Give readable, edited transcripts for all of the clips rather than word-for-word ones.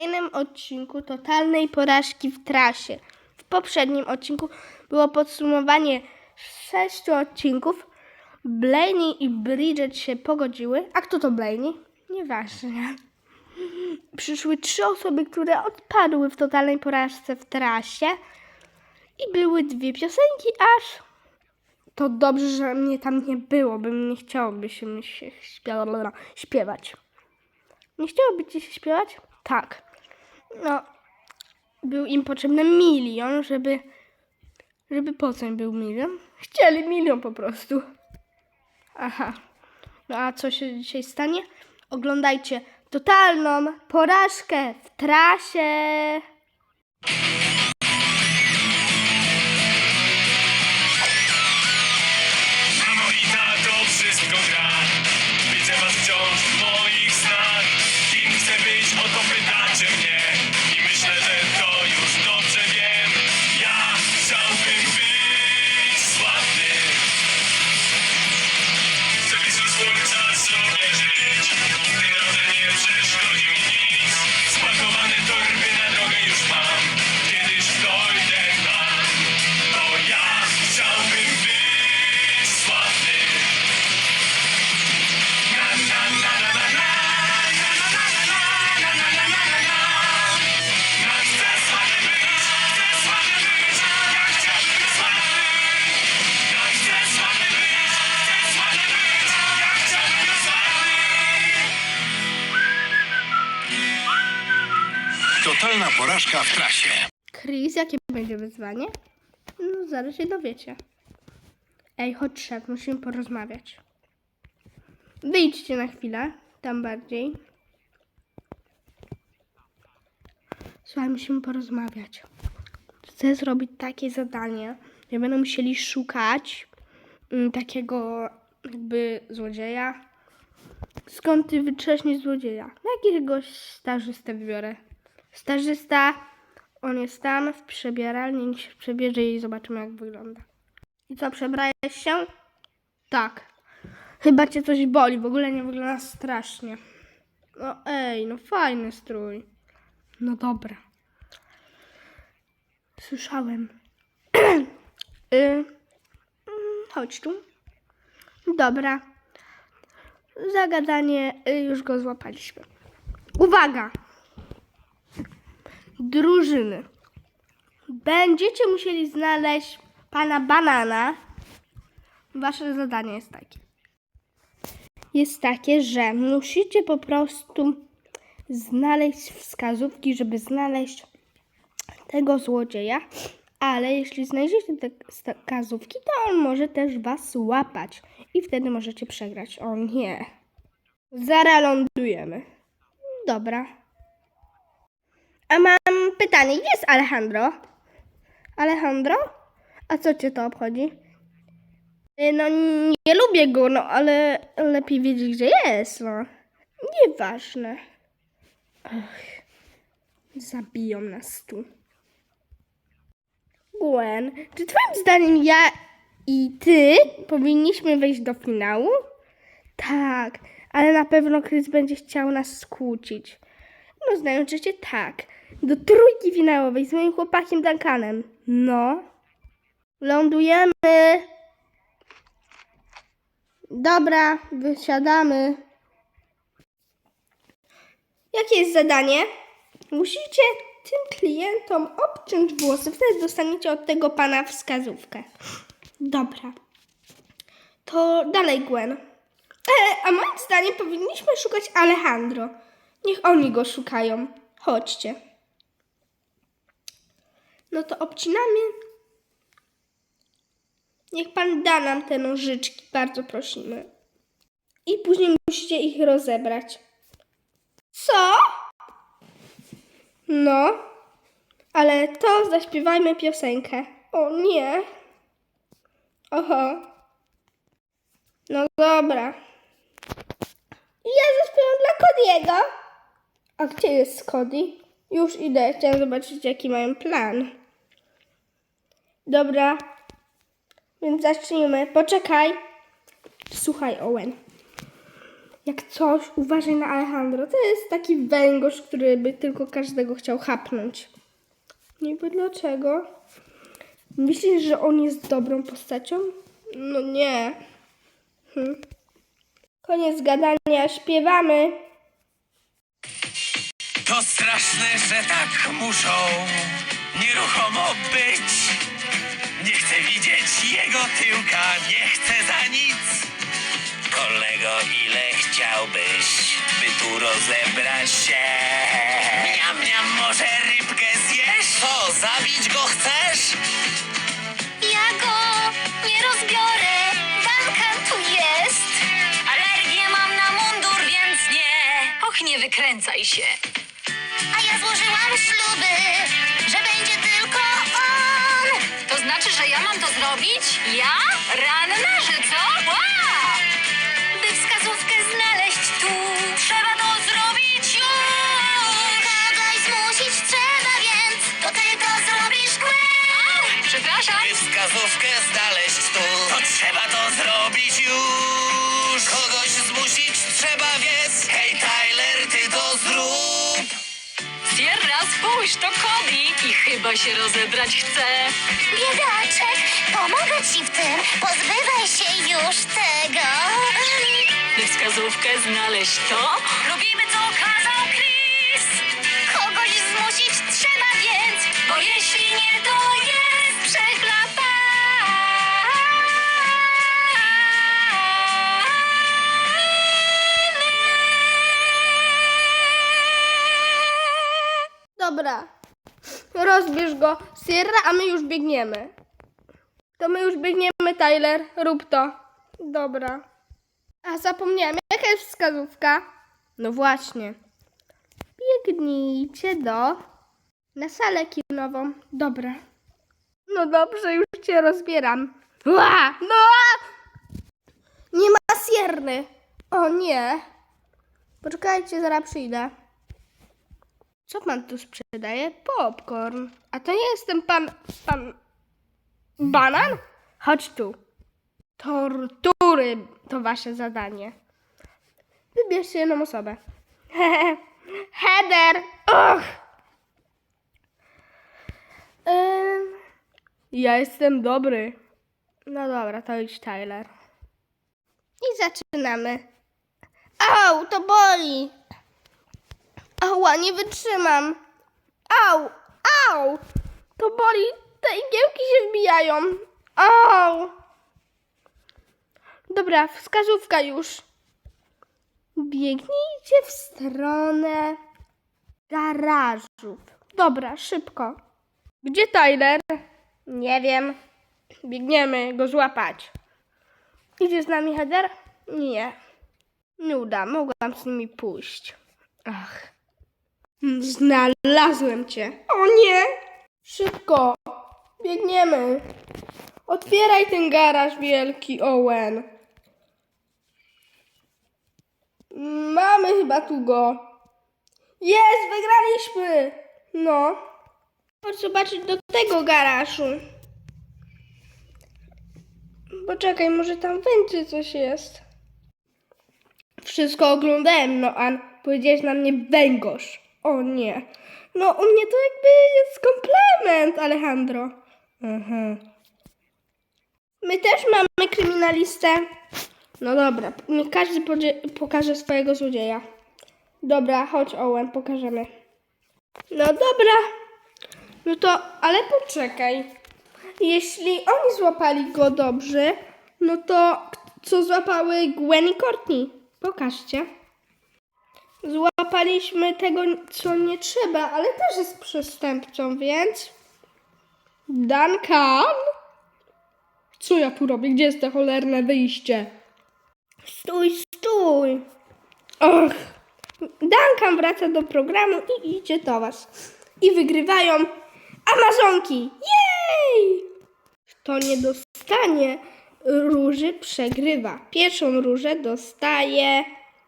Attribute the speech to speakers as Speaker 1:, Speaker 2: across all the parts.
Speaker 1: kolejnym odcinku totalnej porażki w trasie. W poprzednim odcinku było podsumowanie 6 odcinków. Blaney i Bridget się pogodziły. A kto to Blaney? Nieważne. Przyszły 3 osoby, które odpadły w totalnej porażce w trasie. I były 2 piosenki, aż to dobrze, że mnie tam nie było, bym nie chciałoby się śpiewać. Nie chciałoby ci się śpiewać? Tak. No, był im potrzebny 1 milion, żeby po co im był 1 milion? Chcieli 1 milion po prostu. Aha. No a co się dzisiaj stanie? Oglądajcie totalną porażkę w trasie.
Speaker 2: Mamo i tato, wszystko gra. Widzę was wciąż w moich snach. Kim chcę być, o to pytacie mnie. I myślę, że to już dobrze wiem. Ja chciałbym być sławny. Chcę być do słońca sobie żyć. Gdy drodze nie przeszkodzi mi nic. Spakowane torby na drogę już mam. Kiedyś dojdę tam. Bo ja chciałbym być sławny. Na na na na na na. Na na na na na na na na na na. Ja chcę sławny być. Chcę sławny być. Ja chciałbym być sławny. Ja chcę sławny być. Chcę sławny być. Ja chciałbym być sławny.
Speaker 3: Totalna porażka w trasie.
Speaker 1: Chris, jakie będzie wyzwanie? No, zaraz się dowiecie. Ej, chodź szef, musimy porozmawiać. Wyjdźcie na chwilę, tam bardziej. Słuchaj, musimy porozmawiać. Chcę zrobić takie zadanie, że będą musieli szukać takiego jakby złodzieja. Skąd ty wytrześniesz złodzieja? Jakiegoś stażystę wybiorę. Stażysta, on jest tam w przebieralni, niech się przebierze i zobaczymy, jak wygląda. I co, przebrałeś się? Tak. Chyba cię coś boli, w ogóle nie wygląda strasznie. No ej, no fajny strój. No dobra. Słyszałem. Chodź tu. Dobra. Zagadanie, już go złapaliśmy. Uwaga! Drużyny. Będziecie musieli znaleźć pana Banana. Wasze zadanie jest takie, że musicie po prostu znaleźć wskazówki, żeby znaleźć tego złodzieja, ale jeśli znajdziecie te wskazówki, to on może też was łapać i wtedy możecie przegrać. O nie. Zaraz lądujemy. Dobra. A mam pytanie, gdzie jest Alejandro? Alejandro? A co cię to obchodzi? No nie lubię go, no ale lepiej wiedzieć, gdzie jest, no. Nieważne. Ach, zabiją nas tu. Gwen, czy twoim zdaniem ja i ty powinniśmy wejść do finału? Tak, ale na pewno Chris będzie chciał nas skłócić. No znaczy cię tak. Do trójki finałowej z moim chłopakiem Duncanem. No. Lądujemy. Dobra, wysiadamy. Jakie jest zadanie? Musicie tym klientom obciąć włosy, wtedy dostaniecie od tego pana wskazówkę. Dobra. To dalej, Gwen. A moim zdaniem powinniśmy szukać Alejandro. Niech oni go szukają. Chodźcie. No to obcinamy. Niech pan da nam te nożyczki, bardzo prosimy. I później musicie ich rozebrać. Co? No, ale to zaśpiewajmy piosenkę. O nie. Oho. No dobra. Ja zaśpiewam dla Cody'ego. A gdzie jest Cody? Już idę, chciałam zobaczyć, jaki mają plan. Dobra. Więc zacznijmy. Poczekaj. Słuchaj, Owen. Jak coś, uważaj na Alejandro. To jest taki węgorz, który by tylko każdego chciał chapnąć. Niby dlaczego? Myślisz, że on jest dobrą postacią? No nie. Koniec gadania, śpiewamy.
Speaker 2: To straszne, że tak muszą nieruchomo być. Nie chcę widzieć jego tyłka, nie chcę za nic. Kolego, ile chciałbyś, by tu rozebrać się? Miam, miam, może rybkę zjesz? Co, zabić go chcesz?
Speaker 4: Ja go nie rozbiorę, Duncan tu jest. Alergię mam na mundur, więc nie. Och, nie wykręcaj się. A ja złożyłam śluby, że będzie tylko on. To znaczy, że ja mam to zrobić? Ja? Ranna, że co? Wow! By wskazówkę znaleźć tu, trzeba to zrobić już. Kogoś zmusić trzeba, więc to ty to zrobisz, Gwen. Przepraszam.
Speaker 2: By wskazówkę znaleźć tu, to trzeba to zrobić już. Kogoś zmusić trzeba, więc hej Tyler, ty to zrób.
Speaker 4: Sierra, spójrz, to Cody i chyba się rozebrać chce. Biedaczek, pomogę ci w tym. Pozbywaj się już tego. By wskazówkę znaleźć to? Robimy, co kazał Chris. Kogoś zmusić trzeba więc, bo jeśli nie, to jest przeklapane.
Speaker 1: Dobra. Rozbierz go, Sierra, a my już biegniemy. To my już biegniemy, Tyler. Rób to. Dobra. A zapomniałem, jaka jest wskazówka? No właśnie. Biegnijcie na salę kinową. Dobra. No dobrze, już cię rozbieram. Ła! No! Nie ma Sierry. O nie. Poczekajcie, zaraz przyjdę. Co pan tu sprzedaje? Popcorn. A to nie jest ten pan Banan? Chodź tu. Tortury to wasze zadanie. Wybierzcie jedną osobę. Heather! Och! Ja jestem dobry. No dobra, to idź, Tyler. I zaczynamy. Au, to boli! Ała, nie wytrzymam. Au, au! To boli, te igiełki się wbijają. Au! Dobra, wskazówka już. Biegnijcie w stronę garażów. Dobra, szybko. Gdzie Tyler? Nie wiem. Biegniemy go złapać. Idzie z nami Heather? Nie. Nuda, mogłam z nimi pójść. Ach. Znalazłem cię. O nie! Szybko. Biegniemy. Otwieraj ten garaż wielki, Owen. Mamy chyba tu go. Jest, wygraliśmy. No. Chodź zobaczyć do tego garażu. Poczekaj, może tam będzie coś jest. Wszystko oglądałem, no An. Powiedziałeś na mnie węgorz. O nie. No u mnie to jakby jest komplement, Alejandro. My też mamy kryminalistę. No dobra, niech każdy pokaże swojego złodzieja. Dobra, chodź Owen, pokażemy. No dobra. No to, ale poczekaj. Jeśli oni złapali go dobrze, no to co złapały Gwen i Courtney? Pokażcie. Złapaliśmy tego, co nie trzeba, ale też jest przestępcą, więc... Duncan? Co ja tu robię? Gdzie jest to cholerne wyjście? Stój, stój! Och! Duncan wraca do programu i idzie do was. I wygrywają Amazonki! Jej! Kto nie dostanie róży, przegrywa. Pierwszą różę dostaje...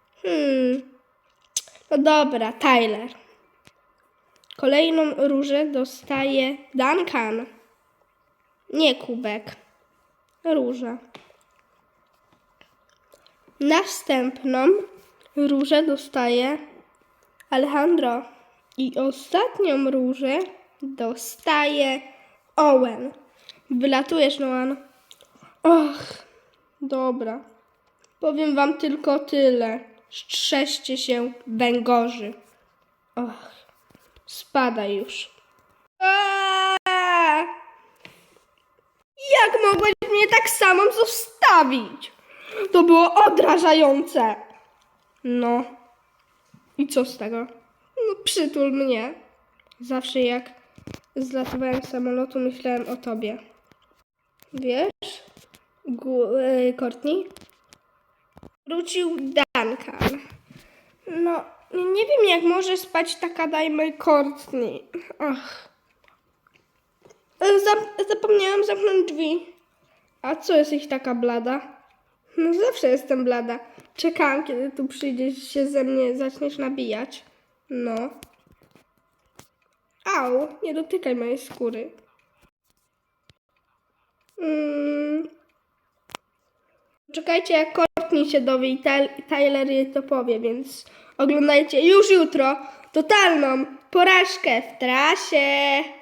Speaker 1: No dobra, Tyler. Kolejną różę dostaje Duncan. Nie kubek. Róża. Następną Różę dostaje Alejandro. I ostatnią różę dostaje Owen. Wylatujesz, Noan. Och, dobra. Powiem wam tylko tyle. Strzeżcie się węgorzy. Och, spadaj już. Aaaa! Jak mogłeś mnie tak samą zostawić? To było odrażające. No. I co z tego? No przytul mnie. Zawsze jak zlatowałem z samolotu, myślałem o tobie. Wiesz? Courtney? Wrócił Duncan. No, nie wiem jak może spać taka dajmy Courtney. Ach. Zapomniałam zamknąć drzwi. A co jesteś taka blada? No zawsze jestem blada. Czekałam, kiedy tu przyjdziesz się ze mnie zaczniesz nabijać. No. Au, nie dotykaj mojej skóry. Czekajcie, jak Courtney się dowie i Tyler jej to powie, więc oglądajcie już jutro totalną porażkę w trasie.